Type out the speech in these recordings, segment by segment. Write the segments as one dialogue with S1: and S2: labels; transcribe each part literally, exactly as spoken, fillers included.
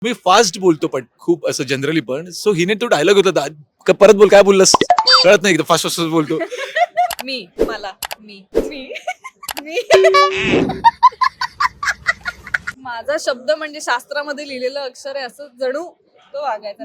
S1: मी fast बोलतो पण खूप असं जनरली पण सो हिने तो डायलॉग होता दा- का परत बोल काय बोललास कळत नाही फास्ट फास्ट बोलतो.
S2: मी मला मी मी मी माझा शब्द म्हणजे शास्त्रामध्ये लिहिलेलं अक्षर आहे असं जणू तो वागायचा.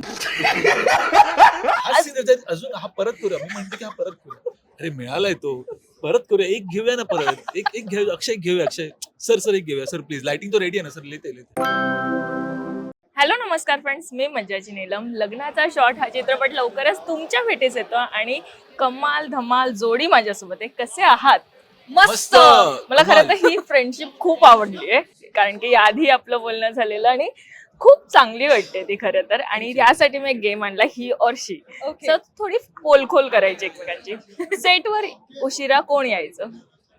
S1: हा scene आहे, अजून हा परत करूया मी म्हणते की हा परत करूया अरे मिळालाय तो परत करूया एक घेऊया ना परत एक एक घेऊया अक्षय घेऊया अक्षय सर सर एक घेऊया सर प्लीज लाइटिंग तो रेडी आहे ना सर लेते लेते.
S3: हॅलो नमस्कार फ्रेंड्स, मी मज्जाची नीलम. लग्नाचा शॉट हा चित्रपट लवकरच तुमच्या भेटीस येतो आणि कमाल धमाल जोडी माझ्यासोबत आहे. कसे आहात?
S1: मस्त
S3: मला खरं
S1: कमाल.
S3: तर ही फ्रेंडशिप खूप आवडली आहे कारण की आधी आपलं बोलणं झालेलं आणि खूप चांगली वाटते ती खरं तर. आणि यासाठी मी एक गेम आणला, ही और शी.
S2: Okay.
S3: तर थोडी पोलखोल करायची एकमेकांची. सेटवर उशिरा कोण यायचं?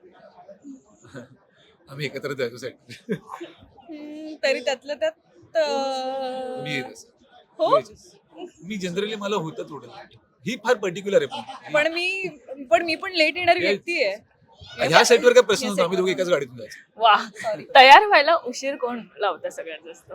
S1: आम्ही एकत्र जायचो सेट.
S2: हम्म, तरी त्यातलं त्यात अं,
S1: मी येत असे.
S2: हो
S1: मी येत असे. मी जनरली मला होतं थोडं ही फार पर्टिक्युलर आहे पण
S2: पण मी पण मी पण लेट येणारी व्यक्ती आहे.
S1: ह्या सेटवर काय प्रश्न
S2: या
S1: नव्हता आम्ही दोघे एकाच गाडीतून जायचो.
S3: वा, तयार व्हायला उशीर कोण लावतं सगळ्यात जास्त?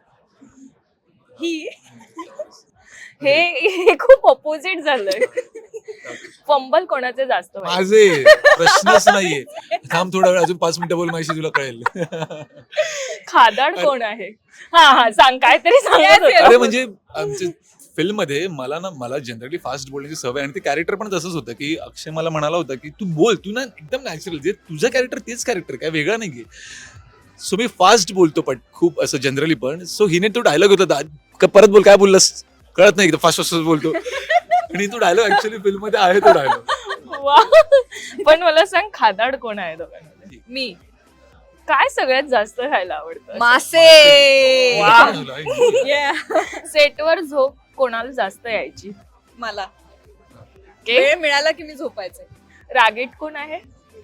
S2: ही
S3: हे हे खूप ऑपोजिट झालंय. फंबल कोणाचे जास्त व्हायचे?
S1: माझे प्रश्नच नाहीये. थांब थोडा वेळ अजून पाच मिनिटं बोल माझी तुला कळेल.
S3: खादाड कोण आहे? हा हा सांग, काहीतरी सांगत
S2: Yes,
S3: होता.
S2: yes.
S1: अरे म्हणजे आमच्या फिल्म मध्ये मला ना मला जनरली फास्ट बोलण्याची सवय आणि ते कॅरेक्टर पण तसंच होतं की अक्षय मला म्हणाला होता की तू बोल तू ना एकदम नॅचरल जे तुझं कॅरेक्टर तेच कॅरेक्टर काय वेगळं नाहीये. सो मी फास्ट बोलतो पण खूप असं जनरली पण सो हिने तो डायलॉग होता दा- का परत बोल काय बोललास कळत नाही फास्ट फास्ट बोलतो आणि तो डायलॉग ऍक्च्युअली फिल्म मध्ये आहे तो डायलॉग.
S3: वा. पण मला सांग, खादाड कोण आहे दोघांमध्ये?
S2: मी
S3: काय सगळ्यात जास्त खायला आवडतं?
S2: मासे
S3: वा.
S2: Yeah.
S3: सेटवर झोप कोणाला जास्त यायची?
S2: मला
S3: के?
S2: वेळ मिळाला की मी झोपायचे.
S3: रागीट कोण आहे?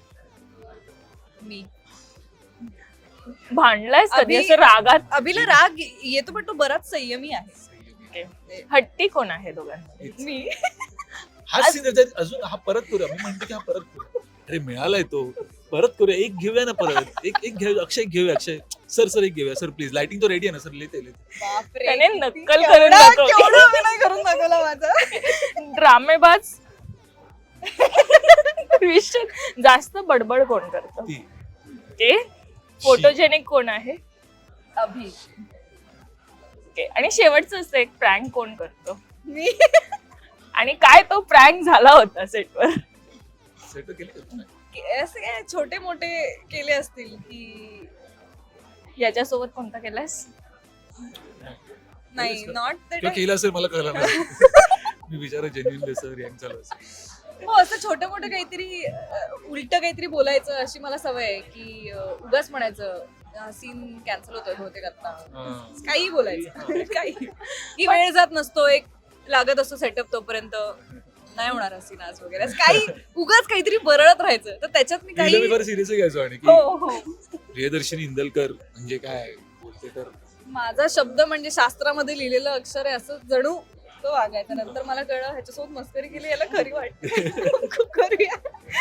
S2: मी
S3: भांडलायस कधी
S2: अभि-
S3: असं रागात?
S2: अभिला राग येतो पण तो बराच संयमी आहे.
S3: हट्टी कोण आहे दोघांमध्ये?
S2: मी
S1: हा सीन अजून हा परत करूया मी म्हणते की हा परत करूया अरे मिळालाय तो परत करूया एक घेऊया ना परत एक एक घेऊया अक्षय घेऊया अक्षय सर सर एक घेऊया सर प्लीज लाइटिंग तो रेडी आहे ना सर लेते लेते.
S2: बापरे,
S3: त्याने
S2: किती
S3: नक्कल
S2: केवढा-
S3: करून दाखवली.
S2: केवढा अभिनय करून दाखवला माझा.
S3: ड्रामेबाज विषय जास्त बडबड कोण करतं?
S1: ती
S3: ते फोटोजेनिक कोण आहे?
S2: अभि
S3: Okay. आणि शेवटचं असं एक प्रँक कोण करतो?
S2: मी
S3: आणि काय तो प्रँक झाला होता सेटवर?
S1: सेट केले का तुम्ही?
S2: असे काय छोटे मोठे केले असतील की
S3: याच्यासोबत कोणता केलास?
S2: नाही नॉट
S1: तो
S2: दॅट.
S1: केला असेल मला कळलं नाही. मी विचार जेन्युइन सर यांग चालू असेल.
S2: हो असं छोटं मोठं काहीतरी उलट काहीतरी बोलायचं अशी मला सवय आहे की अं, उगाच म्हणायचं सीन कॅन्सल होतोय बहुतेक आता
S1: हा.
S2: काही बोलायचं काही की वेळ जात नसतो एक लागत असतो सेटअप तोपर्यंत नाही होणार सीन आज वगैरे असं काही उगाच काहीतरी बरळत राहायचं तर त्याच्यात मी
S1: तिला
S2: काही
S1: मी फार सिरियस घ्यायचो आणि की
S2: हो हो
S1: प्रियदर्शनी इंदलकर म्हणजे काय बोलते तर
S2: माझा शब्द म्हणजे शास्त्रामध्ये लिहिलेलं अक्षर आहे असं जणू तो वागायचा. नंतर मला कळलं ह्याच्यासोबत मस्करी केली याला खरी वाटते. करूया.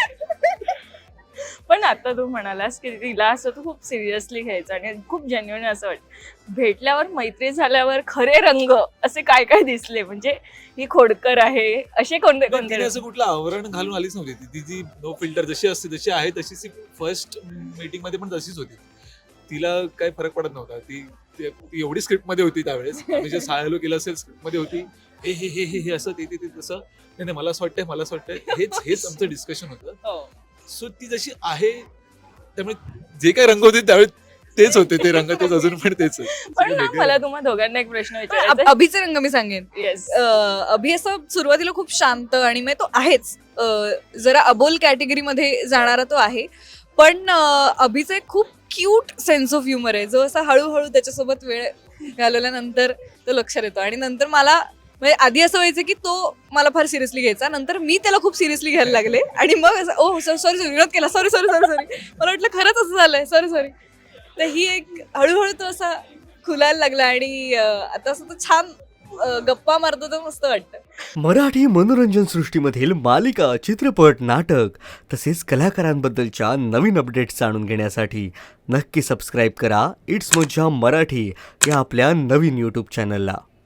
S3: पण आता तू म्हणालास की तिला असं तू खूप सिरियसली घ्यायचं आणि खूप जेन्युइन असं वाटतं. भेटल्यावर मैत्री झाल्यावर खरे रंग असे काय काय दिसले? म्हणजे ही खोडकर आहे असे कोणते
S1: पण
S3: कोणते
S1: तिने
S3: रंग?
S1: असं कुठलं आवरण घालून आलीच नव्हती ती तिची नो फिल्टर जशी असते जशी आहे तशीच फर्स्ट मीटिंग मध्ये पण तशीच होती. तिला काय फरक पडत नव्हता. ती ती एवढी स्क्रिप्ट मध्ये होती त्यावेळेस आम्ही जे सायलो केलं असेल स्क्रिप्ट मध्ये होती हे हे हे हे हे असं ते ते ते तसं नाही नाही मला असं वाटतंय मला असं वाटतंय हेच हेच आमचं डिस्कशन होतं.
S2: हो.
S1: सो ती जशी आहे त्यामुळे जे काही रंग होते त्यावेळी तेच होते ते रंग तेच अजून पण तेच आहेत.
S3: पण ना
S1: वेगळे
S3: मला तुम्हा दोघांना एक प्रश्न
S2: अभ-
S3: विचारायचा
S2: अभिचे रंग मी सांगेन.
S3: येस.
S2: अं, अभि असं सुरुवातीला खूप शांत आणि मग तो आहेच अं, जरा अबोल कॅटेगरीमध्ये जाणारा तो आहे पण अं, अभिचं एक खूप क्यूट सेन्स ऑफ ह्युमर आहे जो असा हळूहळू त्याच्यासोबत वेळ घालवल्यानंतर तो लक्षात येतो. आणि नंतर मला म्हणजे आधी असं व्हायचं की तो मला फार सिरियसली घ्यायचा नंतर मी त्याला खूप सिरियसली घ्यायला लागले आणि मग असं ओ सॉरी सॉरी विरोध केला सॉरी सॉरी सॉरी सॉरी मला वाटलं खरंच असं झालंय सॉरी सॉरी. तर ही एक हळूहळू तो असा खुलायला लागला आणि अं, आता असं तो छान अ, गप्पा मारतो तर मस्त वाटतं.
S4: मराठी मनोरंजन सृष्टीमधील मालिका, चित्रपट, नाटक तसेच कलाकारांबद्दलच्या नवीन अपडेट्स जाणून घेण्यासाठी नक्की सबस्क्राईब करा इट्स मज्जा मराठी या आपल्या नवीन यूट्यूब चॅनलला.